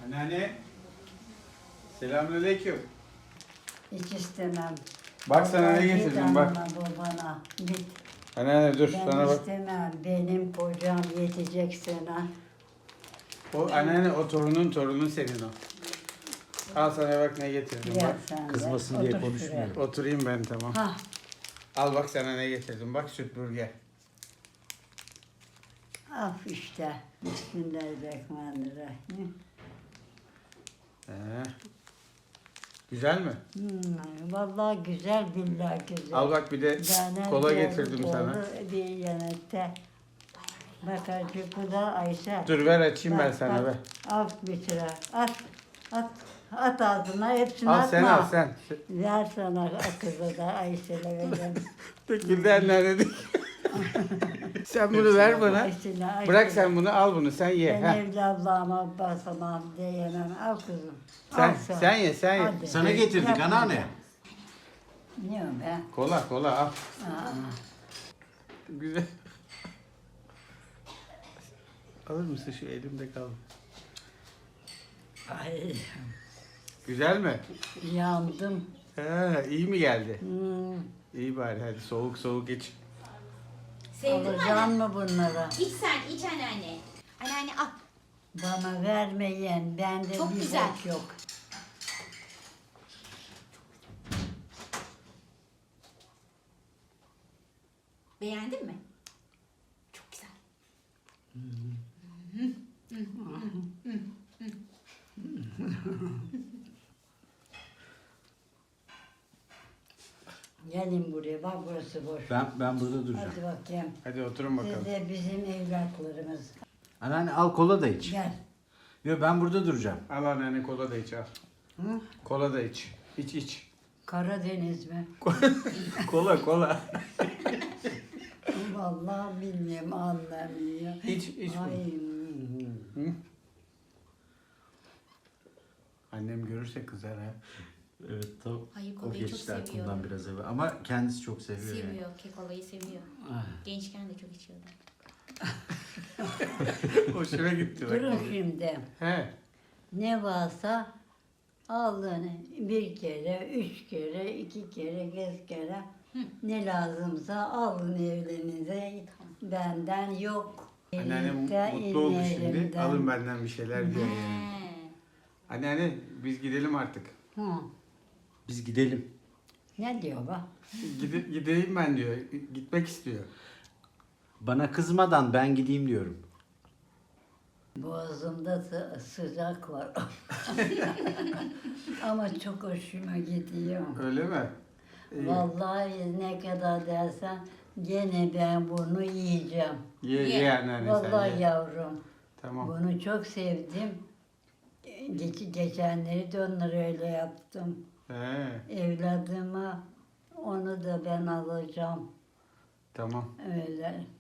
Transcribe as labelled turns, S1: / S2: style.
S1: Anneanne. Selamünaleyküm.
S2: Hiç istemem.
S1: Bak sana ne getirdim bak.
S2: Git anana babana. Git.
S1: Anneanne dur
S2: Ben
S1: sana bak.
S2: istemem. Benim kocam yetecek sana.
S1: O anneanne o torunun senin o. Al sana bak ne getirdim
S2: Gel
S1: bak.
S2: sen de.
S3: Kızmasın diye
S2: Otur
S3: konuşmuyor.
S2: şuraya.
S1: Oturayım ben tamam.
S2: Hah.
S1: Al bak sana ne getirdim bak süt burger.
S2: Af işte. Bismillahirrahmanirrahim.
S1: Güzel mi?
S2: Vallahi güzel, billahi güzel.
S1: Al bak bir de
S2: Caner
S1: kola
S2: geldi,
S1: getirdim sana.
S2: oldu Bir yanette. Bak acık bu da Ayşe.
S1: Dur ver açayım ben
S2: Bak,
S1: sana
S2: bak.
S1: ver.
S2: Al bir sıra. At ağzına, hepsini
S1: Al
S2: atma.
S1: sen al sen.
S2: Ver sana kızı da Ayşe'le vereceğim.
S1: Döküldü anneanne dik. Sen bunu ver bana.
S2: Ayşe'le.
S1: Bırak sen bunu al bunu sen ye.
S2: Ben
S1: heh.
S2: evladlığıma basamam diyemem. Al kızım.
S1: Sen,
S2: Al
S1: sen ye sen ye.
S2: Hadi.
S3: Sana getirdik
S2: Yapma.
S3: anneanne.
S2: Ne o be?
S1: Kola al.
S2: Aa,
S1: Güzel. Alır mısın şu elimde kal.
S2: ay,
S1: Güzel mi?
S2: yandım.
S1: İyi mi geldi?
S2: Hmm.
S1: İyi bari hadi soğuk iç.
S4: Sevdin mi
S2: Alacaksın
S4: anne?
S2: mı bunları?
S4: İç sen, iç anneanne. Anneanne al.
S2: Bana vermeyen, bende
S4: Çok
S2: bir
S4: güzel.
S2: bok yok.
S4: Beğendin mi? Çok güzel.
S2: Gelin buraya, bak burası boş.
S3: Ben burada duracağım.
S2: Hadi bakayım.
S1: Hadi oturun bakalım.
S2: Siz de bizim evlatlarımız.
S3: Anneanne al kola da iç.
S2: Gel.
S3: Yo ben burada duracağım.
S1: Al anneanne kola da iç al.
S2: Hı?
S1: Kola da iç. İç.
S2: Karadeniz mi?
S1: Kola.
S2: Vallahi bilmiyorum, anlamıyor.
S1: İç bunu.
S2: Ay,
S1: Hı? Annem görürse kızar ha.
S3: Evet tam
S4: Hayır,
S3: o
S4: kolayı çok
S3: geçti
S4: seviyor.
S3: aklımdan biraz evvel. Ama kendisi çok seviyor yani.
S4: Seviyor, kekolayı seviyor. Gençken de çok içiyordu.
S1: Hoşuma gitti bak.
S2: durun şimdi.
S1: He.
S2: Ne varsa alın bir kere, 3 kere, 2 kere, 5 kere. Ne lazımsa alın evlerinize. Benden yok.
S1: Anneannem
S2: Elimde,
S1: mutlu oldu şimdi.
S2: elimden.
S1: Alın benden bir şeyler diyor.
S4: He.
S1: Anneanne biz gidelim artık.
S2: Hı.
S3: Biz gidelim.
S2: Ne diyor bu?
S1: Gideyim ben diyor. Gitmek istiyor.
S3: Bana kızmadan ben gideyim diyorum.
S2: Boğazımda sıcak var. Ama çok hoşuma gidiyor.
S1: Öyle mi? İyi.
S2: Vallahi ne kadar dersen gene ben bunu yiyeceğim.
S1: Ye anneanne sen
S2: Vallahi
S1: ye.
S2: yavrum.
S1: Tamam.
S2: Bunu çok sevdim. Geçenleri de onları öyle yaptım.
S1: He,
S2: Evladıma onu da ben alacağım.
S1: tamam.
S2: Öyle.